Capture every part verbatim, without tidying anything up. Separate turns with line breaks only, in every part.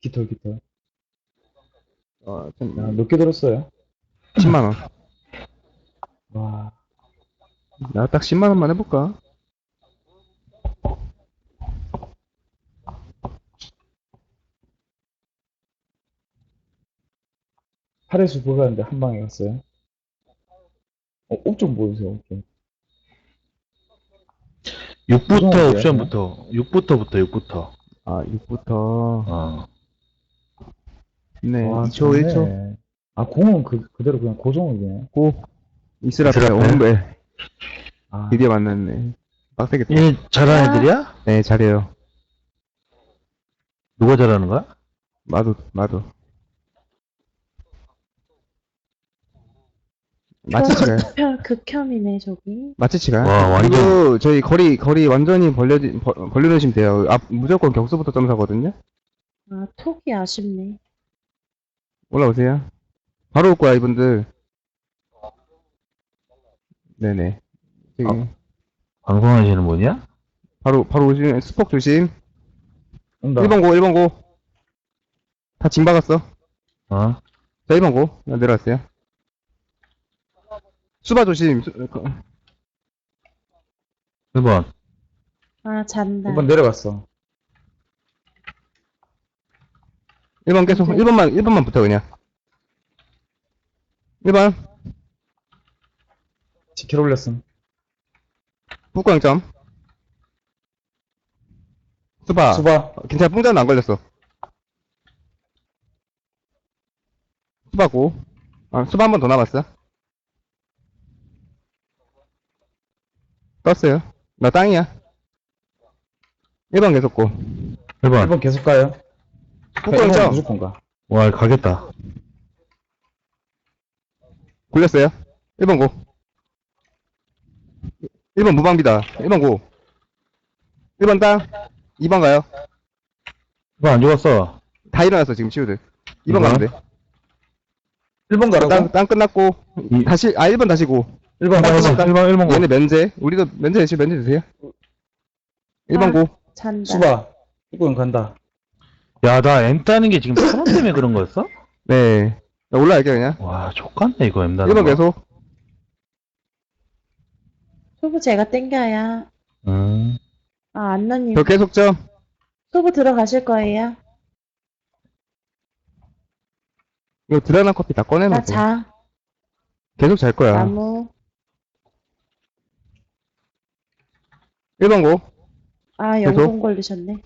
깃털, 깃털.
어, 좀,
야, 몇 개 들었어요?
십만 원.
와,
나 딱 십만 원만 해볼까?
팔에서 보였는데 한 방에 갔어요. 어, 옵좀 보여주세요, 옵좀.
육부터
고정할게요,
옵션부터 육부터부터 육부터
아, 육부터.
어
네,
와,
이 초, 일 초.
좋네. 아, 공은 그, 그대로 그냥 고정이네.
고. 이슬 앞에
이슬 앞에.
오는데.
아,
드디어 만났네. 빡세겠다.
이 잘하는 애들이야?
네, 잘해요.
누가 잘하는 거야?
마도, 마도. 마치치가요.
극혐, 극혐이네, 저기.
마치치가.
와, 완전-
그리고 저희 거리, 거리 완전히 벌려, 벌- 벌려놓으시면 돼요. 앞, 무조건 격수부터 점사거든요?
아, 톡이 아쉽네.
올라오세요. 바로 올 거야, 이분들. 네네. 저기,
어. 방송하시는 분이야?
바로, 바로 오시면, 스폭 조심.
온다.
일 번 고, 일 번 고. 다 징 박았어.
어?
자, 일 번 고. 나 내려왔어요. 수바 조심. 수, 그,
일 번
아, 잔다.
일 번 내려갔어.
일 번 계속,
네.
일 번만, 일 번만 붙어, 그냥. 일 번.
지킬 올렸음.
북광점. 수바.
수바.
어, 괜찮아, 뽕자는 안 걸렸어. 수바고. 아, 수바 한 번 더 남았어. 떴어요. 나 땅이야. 일 번 계속 고.
일
일
번
번 계속 가요.
북광점.
무조건 가.
와 가겠다.
굴렸어요. 일 번 고. 일 번 무방비다. 일 번 고. 일 번 땅. 이 번 가요.
일 번 안 죽었어.
다 일어났어, 지금 치우들. 이 번
이 번?
가면 돼.
일 번 가라고?
땅, 땅 끝났고.
이-
다시, 아, 일 번 다시 고.
일 번
일 번
가라고?
일 번 일 번
얘네 면제. 우리도 면제 대신 면제 주세요. 일 번
아.
고.
잔다.
수바. 일 번 간다.
야나 M 따는 게 지금 프로 때문에 그런 거였어?
네. 나 올라갈게, 그냥.
와 족같네 이거 M 따는
일 번
거.
계속.
소부 제가 땡겨야.
음.
아, 안나님.
저 계속 점.
소부 들어가실 거예요?
이거 드라나 커피 다
나
꺼내놓고.
자.
계속 잘 거야.
나무.
일 번 고.
아,
계속?
영동 걸리셨네.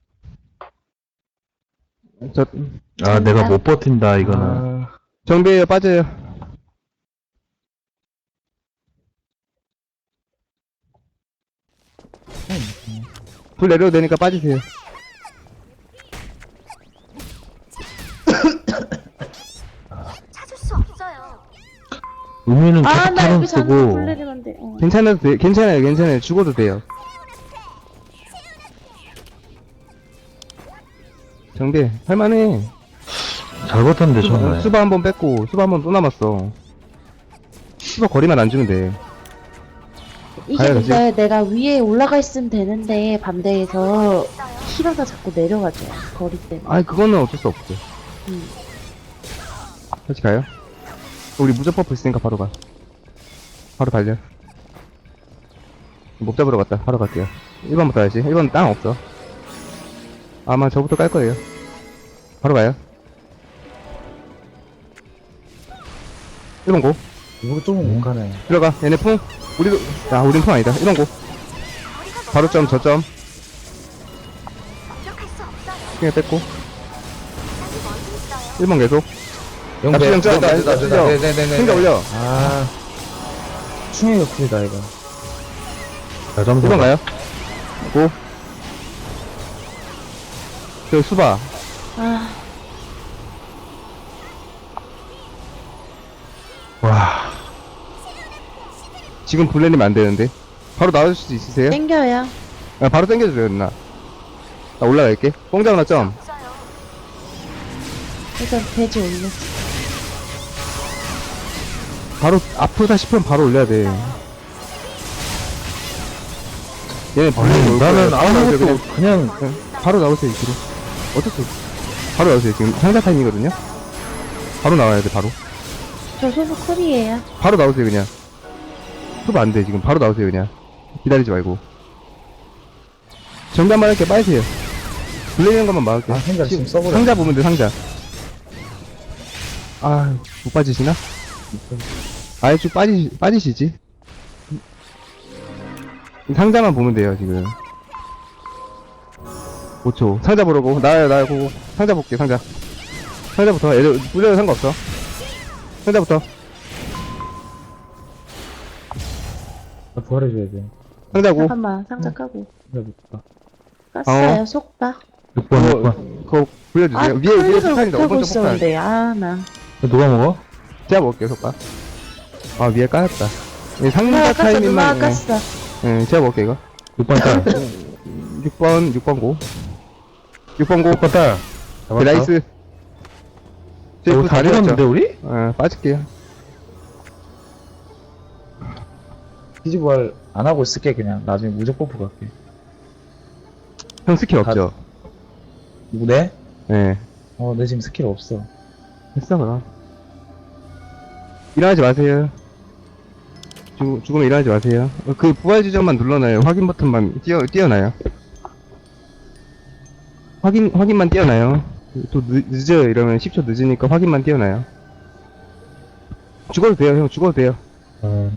저,
아 내가 못 버틴다 이거는.
아,
정비에요, 빠져요. 불 내려도 되니까 빠지세요.
찾을 수 없어요.
의미는
아,
계속
나
타는
여기 잔다.
쓰고.
불 내리면 돼. 어.
괜찮아도 돼, 괜찮아요, 괜찮아요. 죽어도 돼요. 정비, 할만해.
잘 버텼는데
수바,
정말.
수바 한 번 뺐고, 수바 한 번 또 남았어. 수바 거리만 안 주면 돼.
이게
가야
근데 내가 위에 올라가 있으면 되는데, 반대에서 힐하다 자꾸 내려가죠. 거리 때문에.
아이, 그거는 어쩔 수 없어.
음.
다시 가요. 우리 무적 버프 있으니까 바로 가. 바로 달려. 목 잡으러 갔다. 바로 갈게요. 일 번부터 가야지. 일 번 땅 없어. 아마 저부터 깔 거예요. 바로 가요. 일 번 고.
이거 조금 못 가네.
들어가. 얘네 풍. 우리도, 야, 우린 풍 아니다. 일 번 고. 바로 점, 저점.
공격할 수 없어요.
그냥 뺐고.
아직 멀리 있어요.
일 번 계속.
영배.
납치 영점.
됐다, 됐다, 됐다.
납치
네네네네.
생겨 올려.
아. 충의 역풀이다, 이거.
자 점수.
일 번 가요. 고. 저 수바.
아,
와.
지금 불내리면 안 되는데. 바로 나와줄 수 있으세요?
땡겨요.
아, 바로 당겨주세요, 누나. 나 올라갈게. 뽕장나 점.
없어요.
일단 돼지 올려.
바로 아프다 싶으면 바로 올려야 돼. 얘네 불리고
아니
올
나는
거예요. 바로 나오세요,
아무것도 그냥
그냥. 응, 바로 나오세요, 이리로. 어쩔 수 없어. 바로 나오세요. 지금 상자 타임이거든요. 바로 나와야 돼, 바로.
저 소부 쿨이에요.
바로 나오세요, 그냥. 수업 안 돼, 지금. 바로 나오세요, 그냥. 기다리지 말고. 정답만 할게, 빠지세요. 불리는 것만 막을게요.
아, 상자 지금 써버려.
상자 보면 돼, 상자. 아, 못 빠지시나? 아예 쭉 빠지, 빠지시지. 상자만 보면 돼요, 지금. 오 초. 상자 보라고. 나요, 나요, 고고. 상자 볼게, 상자. 상자부터. 애들, 불려도 상관없어. 상자부터.
나 부활해줘야 돼.
상자고.
잠깐만, 상자 까고.
상자 못 봐.
깠어요, 속박.
육 번, 육
그거,
번.
그거 불려주세요.
아,
위에, 위에
클릭을
폭탄이다.
못하고
오른쪽 폭탄.
있었는데, 아, 나.
누가 먹어?
제가 먹을게요, 속박. 아, 위에 까였다. 이
누나가
상자
깠어, 누나가
타이밍만.
깠어.
예, 예, 제가 먹을게, 이거.
육 번 딸.
육 번, 육 번 고. 육 번 고.
육 번 딸.
네, 나이스. 저
이거
이거
다
다
죽었는데,
죽었죠?
우리?
어, 빠질게요.
피지 부활 안 하고 있을게, 그냥. 나중에 무적 버프 갈게.
형 스킬
다-
없죠?
누구, 내?
예.
어, 내 지금 스킬 없어.
했어, 그럼. 일어나지 마세요. 죽, 죽으면 일어나지 마세요. 어, 그 부활 지점만 눌러놔요. 확인 버튼만 띄어, 띄어놔요. 확인, 확인만 띄어놔요. 또 늦, 늦어요. 이러면 십 초 늦으니까 확인만 띄어놔요. 죽어도 돼요, 형. 죽어도 돼요.
어.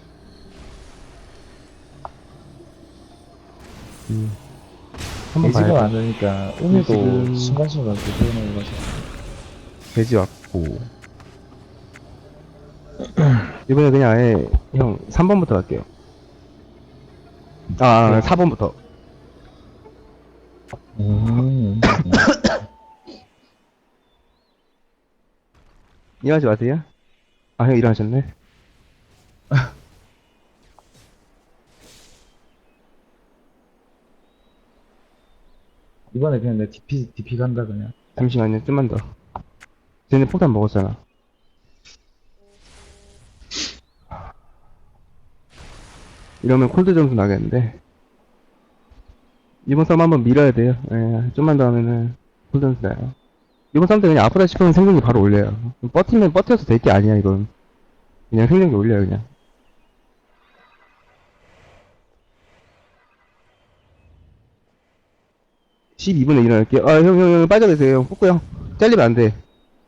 음. 한번
돼지가
봐요.
안 되니까, 오늘도
지금-
순간순간 그거는 가지고.
돼지 왔고. 이번에 그냥 아예, 형, 삼 번부터 갈게요. 아, 아 사 번부터.
음.
일어나지 마세요. 아, 형 일어나셨네.
이번에 그냥 내 디피, 디피 간다, 그냥.
잠시만요, 좀만 더. 쟤네 폭탄 먹었잖아. 이러면 콜드 점수 나겠는데. 이번 싸움 한번 밀어야 돼요. 예, 좀만 더 하면은 콜드 점수 나요. 이번 싸움 때 그냥 아프다 싶으면 생존기 바로 올려요. 버티면 버텨서 될 게 아니야, 이건. 그냥 생존기 올려요, 그냥. 십이 분에 일어날게요. 아, 형, 형, 형, 빠져 계세요. 형. 뽑고 형. 잘리면 안 돼.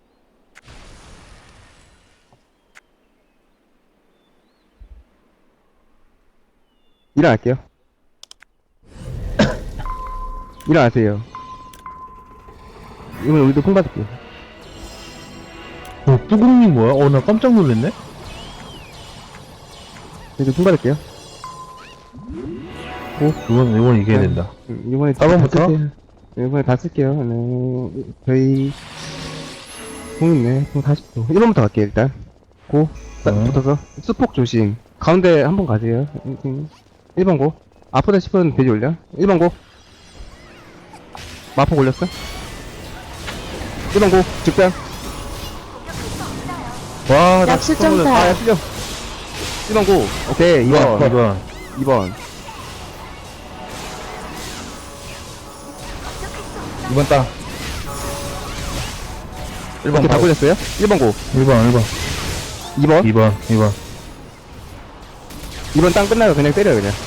일어날게요. 일어나세요. 이번에 우리도 콩 받을게요.
어, 뚜껑이 뭐야? 어, 나 깜짝 놀랐네?
우리도 콩 받을게요.
어, 이번, 이번 이겨야 된다.
음, 이번에
사 번부터?
다 쓸게요. 이번에 다 쓸게요. 네. 저희, 콩 있네. 콩 사십 도. 일 번부터 갈게요, 일단. 고. 딱
어.
붙어서. 수폭 조심. 가운데 한 번 가세요. 일 번 고. 아프다 싶으면 돼지 올려. 일 번 고. 마폭 올렸어. 일 번 고. 직변.
와, 나
약수
깜짝 놀랐어.
점사.
아, 야, 틀려. 일 번 고. 오케이, 이 번.
이번, 이번.
이 번.
이번 땅. 일 번
이렇게 다 굴렸어요? 일 번 고.
일 번, 일 번.
이 번.
이 번, 이 번.
이 번 땅 끝나고 그냥 때려요, 그냥.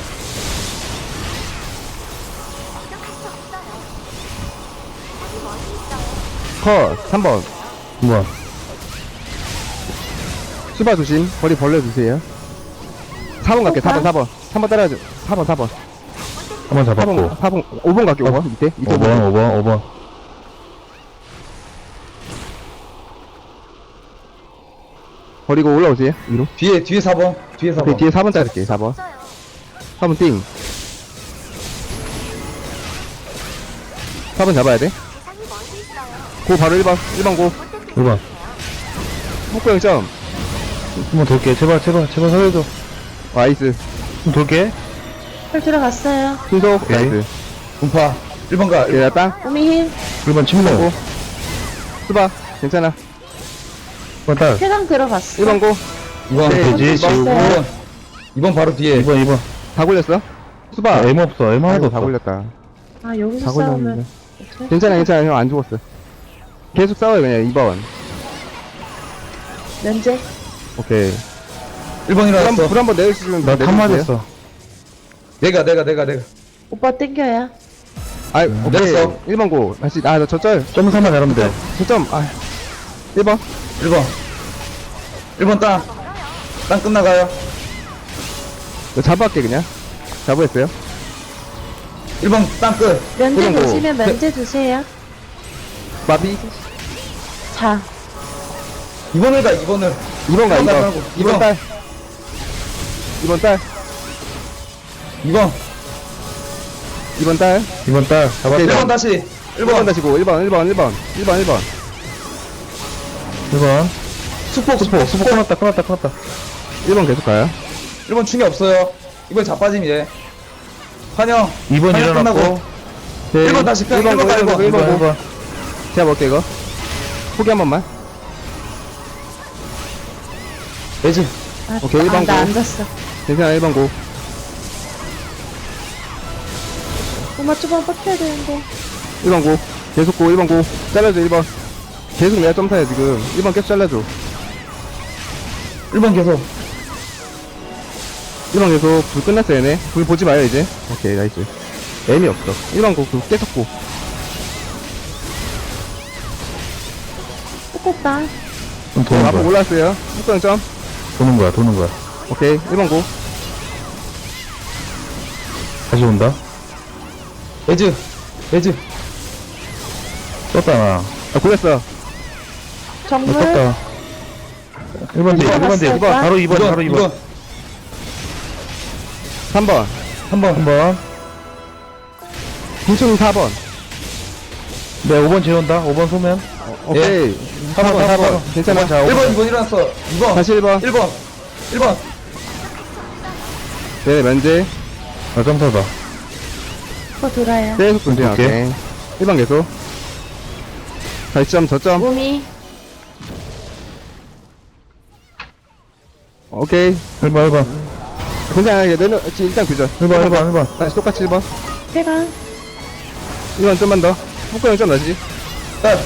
컷. 삼 번.
이 번.
수바 조심. 거리 벌려주세요. 사 번 갈게, 사 번, 사 번. 삼 번 따라가죠. 사 번, 사 번.
한 번
사 번,
잡았고.
사 번, 오 번 갈게, 오 번. 밑에. 밑에
오 번, 오 번, 오 번.
버리고 올라오세요, 위로.
뒤에, 뒤에 사 번. 뒤에 사
오케이,
번.
뒤에 사 번 자를게요, 사 번.
없어요.
사 번 띵. 사 번 잡아야 돼.
대상이 멀리 있어요.
고 바로 일 번. 일 번 고.
일 번.
폭구 영 점.
한번 돌게. 제발, 제발, 제발 살려줘.
나이스.
좀 돌게.
헐 들어갔어요.
순속.
오케이.
나이스.
분파. 일 번 가.
얘나 땅.
오미 힐.
일 번 침묵.
고. 수바. 괜찮아.
일 번 딸.
쾌강 들어갔어.
일 번 고.
이 번.
네,
돼지,
이 번.
지우고.
이 번. 이 번 바로 뒤에.
이 번, 이 번.
다 굴렸어? 수바.
아, M 없어. M 하나도
아이고,
없어.
다 굴렸다.
아, 여기서
다
싸우면.
굴렸는데.
어떡해?
괜찮아, 괜찮아. 형 안 죽었어. 계속 싸워요, 그냥 이 번.
면제.
오케이.
일 번
불 한,
일어났어.
불 한번 내주시면
나 탐 맞았어.
내가, 내가, 내가, 내가.
오빠 땡겨야.
아, 오케이.
내렸어.
일 번 고. 다시, 아, 나 저절.
점사만 내려면 돼.
저점, 아. 일 번.
일 번. 일 번 땅. 땅 끝나가요.
이거 잡아갈게, 그냥. 잡아했어요.
일 번 땅 끝.
면제
그런 거.
보시면 면제 주세요.
마비.
자,
이 번을 가, 이 번을.
이 번 가,
이
이
번
번.
말고,
이 번
이 번.
딸. 이 번 딸.
이 번.
이 번 딸.
이번 달 잡았어.
오케이,
일 번 다시. 일
일 번
번.
다시고, 일 번, 일 번, 일 번. 일 번, 일 번.
일 번.
수폭,
수포,
수폭,
수포
수폭.
끊었다, 끊었다, 끊었다.
일 번 계속 가요.
일 번 충이 없어요. 이번 자빠짐, 이제. 환영.
이 번
환영
일어났고.
끝나고.
오케이.
일 번 다시 가,
일 번
일 번
고,
가,
일 번 고, 일
일 번,
번
일
고.
번.
제가 먹을게, 이거. 포기 한 번만.
매지.
아,
오케이, 일 번
아, 나
고.
앉았어.
괜찮아, 일 번 고.
엄마 좀만 뻗혀야 되는데.
일 번 고. 계속 고, 일 번 고. 잘라줘, 일 번. 계속 내가 점사해, 지금. 일 번 계속 잘라줘.
일 번 계속.
일 번 계속. 불 끝났어, 얘네. 불 보지 마요, 이제. 오케이, 나이스. 애미 없어. 일 번 고, 그 계속 고.
뽀뽀빠.
좀 도는
앞으로
거야.
올라왔어요. 속도는 점.
도는 거야, 도는 거야.
오케이, 일 번 고.
다시 온다.
매즈. 매즈.
떴다, 나.
아, 굴렸어.
어,
정물.
떴다. 일 번 뒤, 일 번 뒤.
들어갔어요, 오빠?
바로 이 번, 바로 이 번.
삼 번.
한 번.
한 번.
김충 사 번.
네, 오 번 재운다. 오 번 소면.
오케이. 사 번, 사 번. 괜찮아.
자,
일
오
번,
번.
이 번 일어났어. 이 번.
다시 일 번.
일 번. 일 번.
네, 면제.
나 점사다.
오빠 돌아요.
계속 분쟁.
오케이.
오케이. 일 번 계속. 다시 점, 저점.
몸이.
오케이.
일 번, 일 번.
괜찮아. 이제 내려, 지금 일단 교전.
일 번, 일 번, 일 번.
다시 똑같이 일 번.
회강.
일 번 좀만 더. 폭행좀 나지.
딸.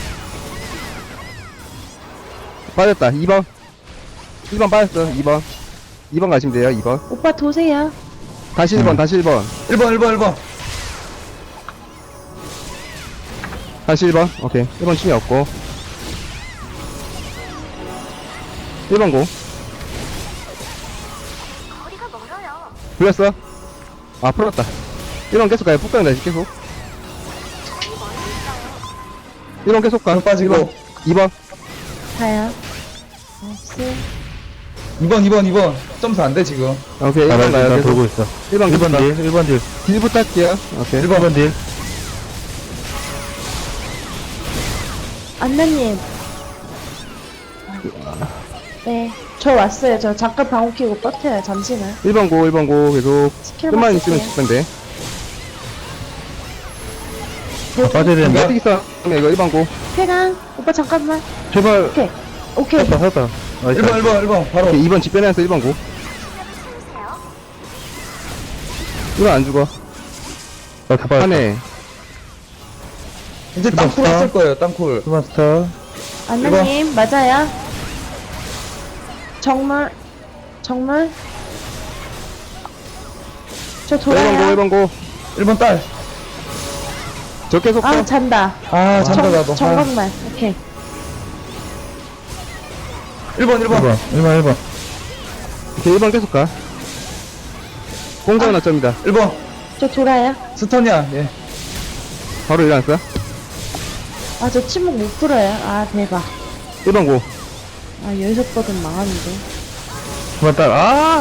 빠졌다. 이 번. 일 번 빠졌어. 이 번. 이 번 가시면 돼요. 이 번.
오빠 도세요.
다시 일 번, 다시 일 번.
일 번, 일 번, 일 번.
다시 일 번. 오케이. 일 번 충이 없고. 일 번 고.
거리가 멀어요.
불렸어. 아, 풀었다. 일 번 계속 가요. 폭행 다시 계속.
저기 멀리 있어요.
일 번 계속 가.
빠지고.
이 번.
가요. 나이스.
이 번, 이 번, 이 번. 점수 안 돼, 지금.
오케이. 일
나,
번
나,
가요.
나
계속.
돌고 있어.
일 번
일 번
계속 가.
딜, 일 번 딜.
딜부터 할게요. 오케이.
일 번 딜.
안나님. 네. 저 왔어요. 저 잠깐 방울 켜고 뻗혀요. 잠시만.
일 번 고, 일 번 고. 계속.
스킬만
좀만 있으면
쓸게요.
죽면 돼.
아, 빠져야 되는데.
어떻게 있어? 이거 일 번 고.
회강. 오빠 잠깐만.
제발.
오케이. 오케이.
샀다, 샀다. 나이스.
일 번, 일 번, 일 번. 바로.
오케이. 이 번 집변해서 일 번 고.
채우세요.
일 번 안 죽어.
나 다 빠졌다.
하네.
이제
일 번
땅쿨
스타.
했을 거예요, 땅쿨.
수만 스타.
안나님 맞아요. 정말 정말 저
일 번 고, 일
돌아요.
번 고.
일 번 딸.
저 계속
아
가.
잔다.
아, 잔다,
정,
나도. 아.
정각만. 오케이.
일 번, 일
일
번.
번, 일 번, 일 번.
오케이. 일 번 계속 가. 공정 낙점이다.
일 번.
저 돌아요.
스턴이야, 예.
바로 일어났어.
아 저 침묵 못 풀어요. 아 대박.
일 번 고.
아 여기서 뻗은 망하는데.
수만 딸. 아!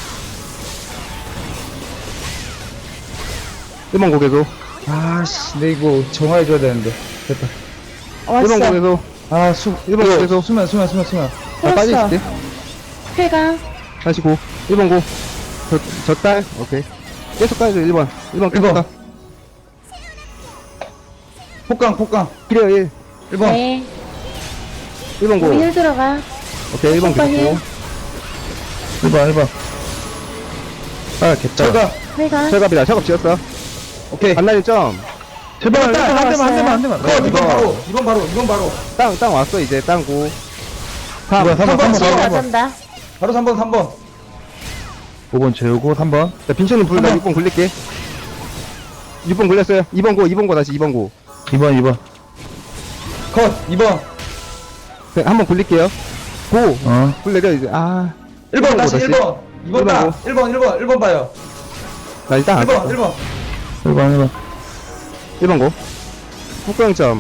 일 번 고 계속.
아씨, 근데 이거 정화해줘야 되는데. 됐다.
어,
일 번 고
왔어.
계속.
아, 수,
일 번 고 계속.
수면, 수면, 수면, 수면.
아,
풀었어.
빠질게.
회강.
다시 고. 일 번 고. 저, 저 딸. 오케이. 계속 가야죠, 일 번. 일 번 계속
일 번.
가.
폭강, 폭강.
필요 일.
일 번.
네.
일 번 고.
우리 힐 들어가.
오케이, 일 번
오빠
계속 고.
일 번, 일 번. 아, 겠다.
철가.
회강.
철갑이다. 철갑 지었어.
오케이.
반나절 점.
제발, 한 대만, 한 대만, 한 대만, 한 대만.
컷, 이번 바로, 이번 바로, 이번 바로.
땅, 땅 왔어, 이제, 땅고. 삼,
이번 삼 번, 삼 번,
치유
삼 번.
맞았다.
바로 삼 번, 삼 번.
오 번 재우고, 삼 번.
자, 빈천님 불, 나 육 번 굴릴게. 육 번 굴렸어요. 이 번 고, 이 번 고, 다시 이 번 고.
이 번, 이 번.
컷, 이 번.
네, 한 번 굴릴게요. 고!
어.
불 내려, 이제, 아.
일 번,
일 번
다시
고,
일 번. 이 번
일 번
딱.
고.
일 번, 일 번, 일 번 봐요.
나 일단
일
안
번,
썼어.
일 번.
일 번, 일 번.
일 번 고. 후광점.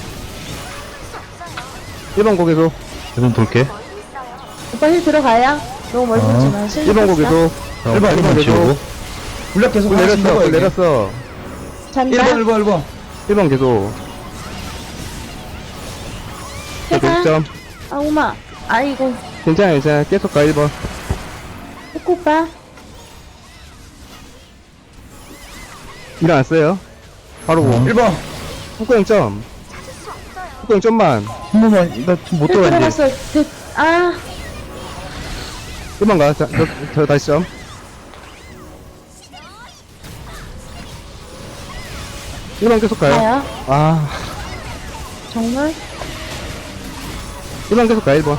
일 번 고 계속.
계속 돌게.
멀리 있어요.
오빠 힐 들어가요. 너무 멀리
어.
오지 마. 실력
일 번 고
없어.
계속.
어,
일 번, 일 번 계속.
지우고.
불력 계속
불
하나씩
내렸어,
먹어요.
불 내렸어.
잔다.
일 번, 일 번, 일 번.
일 번 계속.
해가.
육 점.
아, 오마. 아이고.
괜찮아, 괜찮아. 계속 가, 일 번.
코코 오빠.
일어났어요. 바로 고.
어.
일 번.
후광점.
찾을 수 없어요.
후광점만.
한 번만, 나 지금 못
힐
들어가, 이제.
들어갔어. 그, 아.
일 번 가. 자, 저, 저 다시 점. 일 번 계속 가요.
가요.
아,
정말?
일 번 계속 가, 일 번.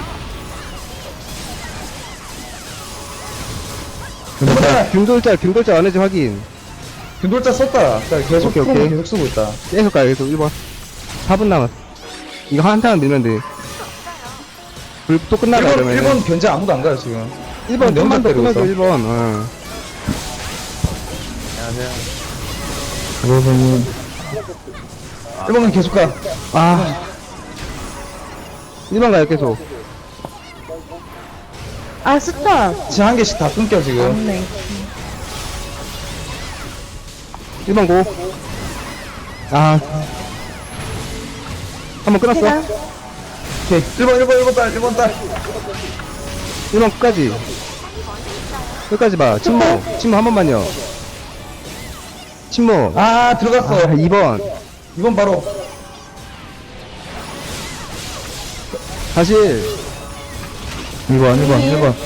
자,
균돌자, 균돌자 안 해지 확인.
균돌자 썼다. 자, 계속,
오케이,
프로모
오케이.
계속 쓰고 있다.
계속 가요, 계속 일 번. 사 분 남았어. 이거 한 타만 밀면 돼. 불 또 끝나가,
일 번,
그러면.
일 번 견제 아무도 안 가요, 지금.
일 번,
내
좀만
혼자
더
때리고
끊어줘,
있어.
일 번. 어.
그러면은,
일 번은 계속 가.
아. 일 번 가요, 계속.
아, 스톱.
지금 한 개씩 다 끊겨, 지금.
없네.
일 번 고. 아. 한 번 끊었어.
해가.
오케이. 일 번, 일 번, 일 번 딸, 일 번 딸.
일 번 끝까지. 끝까지 봐. 침묵. 침묵 한 번만요. 침묵.
아, 들어갔어.
아, 이 번.
이 번 바로.
다시.
일 번, 일 번, 일 번.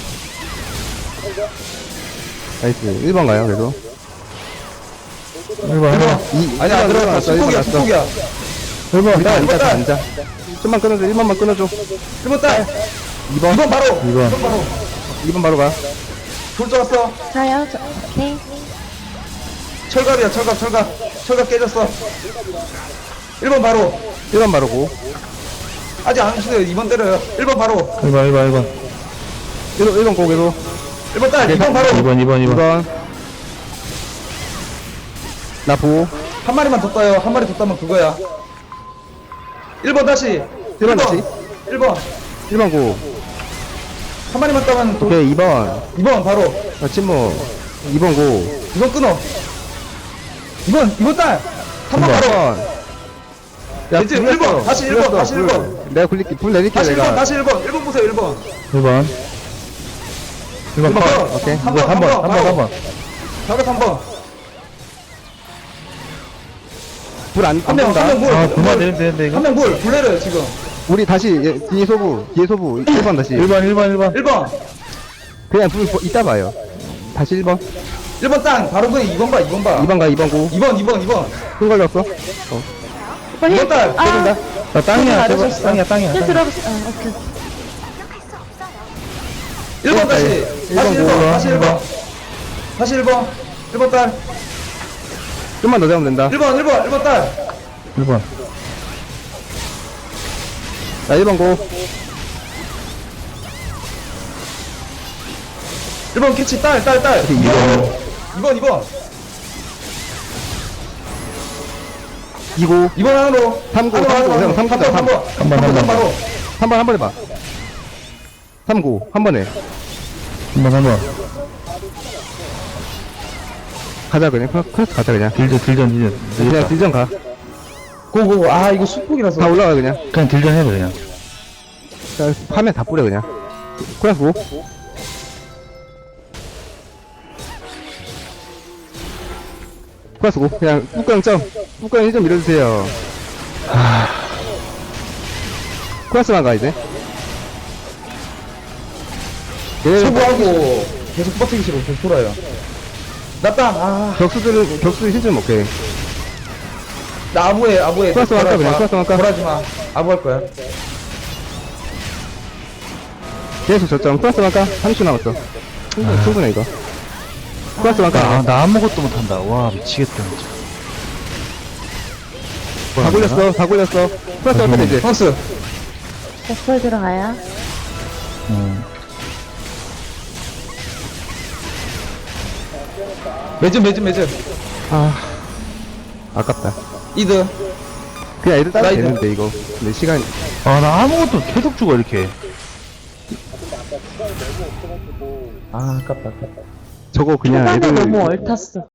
나이스. 일 번 가요, 그래도.
일 번, 일 번.
이,
아니, 안 들어갔어.
났어, 일 번
수폭이야,
났어.
수폭이야.
일 번,
일단 앉아, 다
딸.
앉아. 좀만 끊어줘, 일 번만 끊어줘.
일 번 딸.
이 번.
이 번 바로.
이 번.
이 번 바로.
이 번 바로 가.
돌 들어갔어.
가요. 저, 오케이.
철갑이야, 철갑, 철갑. 철갑 깨졌어. 일 번 바로.
일 번 바로 고.
아직 안 오시네요. 이 번 때려요. 일 번 바로.
일 번, 일 번, 일 번.
일 번, 일 번 고, 계속.
일 번 딸. 이 번 바로.
이 번, 이 번, 이
이
번.
번. 나 보.
한 마리만 더 따요. 한 마리 더 따면 그거야. 일 번 다시.
일 번 다시.
일 번.
일 번 고.
한 마리만 따면 도...
오케이, 이 번.
이 번 바로.
자, 침묵. 이 번 고.
이 번 끊어. 이 번, 이 번 딸. 한 번
일
바로.
번. 야,
이제
불
일 번,
냈어.
다시 일
불
번,
냈어,
다시 일
불.
번.
내가 굴릴게, 불 내릴게,
다시 일 번,
내가.
다시 일 번. 일 번 보세요, 일 번.
일 번. 일 번
일 번
컷.
바로.
오케이.
한
일
번,
번, 한 번, 한 번, 한 번.
바로 한 번.
불 안,
한
안
명, 한
쏜다.
명 물.
아,
물.
그만 되는데, 되는데, 이거.
한 명 물. 불 내려요, 지금.
우리 다시, 예, 뒤에 소부, 뒤에 소부, 일 번 다시.
일 번, 일 번, 일 번.
일 번.
그냥 불, 보- 이따 봐요. 다시 일 번.
일 번 땅. 바로 그냥 이 번 봐, 이 번 봐.
이 번 가, 이 번 고.
이 번, 이 번, 이 번.
큰 걸렸어.
오빠
이
힐.
번 딸.
아,
때린다.
나 땅이야,
힐
제발.
맞으셨어.
땅이야, 땅이야.
힐
땅이야.
들어갔어. 아, 오케이.
공격할 수 없어요.
일 번 다시.
일
다시
번
일 번,
고.
다시 일 번. 다시 일 번. 일 번 딸.
좀만 더 잡으면 된다.
일 번, 일 번, 일 번 딸.
일 번.
자, 일 번 고.
일 번 캐치 딸, 딸, 딸.
이 번.
이 번, 이 번.
이 고.
이 번 안으로.
삼 고,
안으로,
삼 고,
안으로,
형, 삼 고,
번,
삼.
삼 번.
한 번, 한 번.
바로.
삼 번 한 번 해봐. 삼 고. 한 번에.
한 번, 한 번.
가자, 그냥. 크로스 크로스 가자, 그냥.
딜전, 딜전, 딜전.
그냥
되겠다.
딜전 가.
고고. 아, 이거 수폭이라서.
다 올라가, 그냥.
그냥 딜전 해봐, 그냥.
자, 화면 다 뿌려, 그냥. 크로스 고. 크로스 고. 그냥, 뚜껑 점. 뚜껑 일 점 밀어주세요. 크로스만 가, 이제. 얘,
소부하고 계속 버티기 싫어. 계속 돌아요. 나 땅. 아.
격수들은, 격수 힐 좀 오케이.
나 아부해, 아부해.
플러스 할까, 그냥? 플러스 할까?
돌아지 마. 아부 할 거야.
계속 저점 플러스 할까? 삼십 초 남았어. 충분해, 충분해, 이거. 플러스
나,
할까?
나 아무것도 못한다. 와, 미치겠다, 진짜.
다 굴렸어, 다 굴렸어. 플러스 할까, 이제.
플러스.
버플 들어가요.
음.
매점, 매점, 매점.
아. 아깝다.
이드.
그냥 애들 따도
사이드.
되는데, 이거. 근데 시간,
아, 나 아무것도 계속 죽어, 이렇게.
아, 아깝다, 아깝다.
저거 그냥
초반에
애들.
너무 얼탔어.